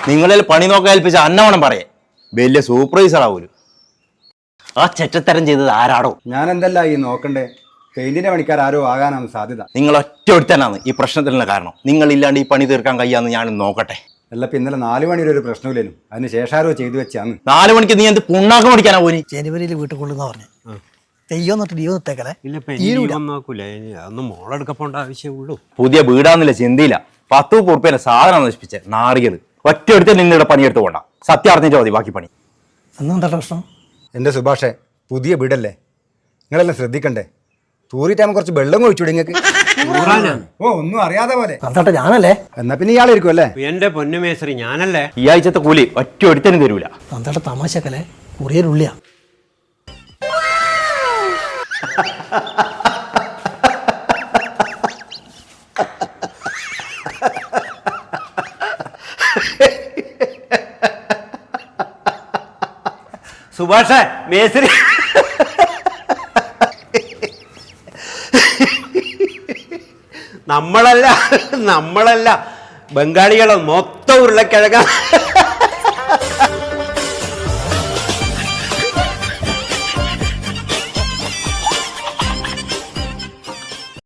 നിങ്ങളിൽ പണി നോക്കാൻ ഏൽപ്പിച്ച അന്നവണം പറയേ വലിയ സൂപ്പർവൈസർ ആവൂലു. ആ ചെറ്റത്തരം ചെയ്തത് ആരാടോ? ഞാൻ എന്തല്ല ഈ നോക്കണ്ടേ? പെയിന്റിന്റെ പണിക്കാർ ആരോ ആകാനാണ് സാധ്യത. നിങ്ങൾ ഒറ്റ ഒരുത്തനാണ് ഈ പ്രശ്നത്തിനുള്ള കാരണം. നിങ്ങളില്ലാണ്ട് ഈ പണി തീർക്കാൻ കഴിയാന്ന് ഞാൻ നോക്കട്ടെ. അല്ല ഇന്നലെ 4 മണിയുടെ ഒരു പ്രശ്നമില്ലേനും, അതിന് ശേഷം ആരോ ചെയ്തു വെച്ചാന്ന്. 4 മണിക്ക് നീ എന്ത് പുണ്ണാക്കം പഠിക്കാനാ പോനി? ജനുവരിയിൽ വീട്ടിൽ കൊള്ളുന്ന പറഞ്ഞു തെയ്യോന്നിട്ട് ലീവ് നിർത്തേക്കല്ലേ. മോളെടുക്കപ്പോണ്ട ആവശ്യമുള്ളൂ. പുതിയ വീടാന്നില്ല ചിന്തയില്ല. 10 ഉറുപ്പ്യന്റെ സാധനം നശിപ്പിച്ചേ നാറിയത്. ഒറ്റ എടുത്ത് നിങ്ങളുടെ പണിയെടുത്ത് പോണ്ട. സത്യം അറിഞ്ഞിട്ട് മതി ബാക്കി പണി. അന്നെന്താ പ്രശ്നം? എൻ്റെ സുഭാഷേ, പുതിയ വീടല്ലേ, നിങ്ങളെല്ലാം ശ്രദ്ധിക്കണ്ടേ? തൂറിട്ടാകുമ്പോൾ കുറച്ച് വെള്ളം ഒഴിച്ചൂടെ നിങ്ങൾക്ക്? ഓ ഒന്നും അറിയാതെ പോലെ. അന്നട്ടെ ഞാനല്ലേ? എന്നാ പിന്നെ ഇയാളായിരിക്കും അല്ലേ? എന്റെ പൊന്നുമേശ്വരി ഞാനല്ലേ. ഈ ആഴ്ചത്തെ കൂലി ഒറ്റ എടുത്തനും തരൂല. അന്നട്ടെ തമാശക്കല്ലേ? കുറിയരുള്ളിയാ. സുഭാഷേ, മേശ്വരി നമ്മളല്ല ബംഗാളികളോ മൊത്തം ഉരുളക്കിഴങ്ങ.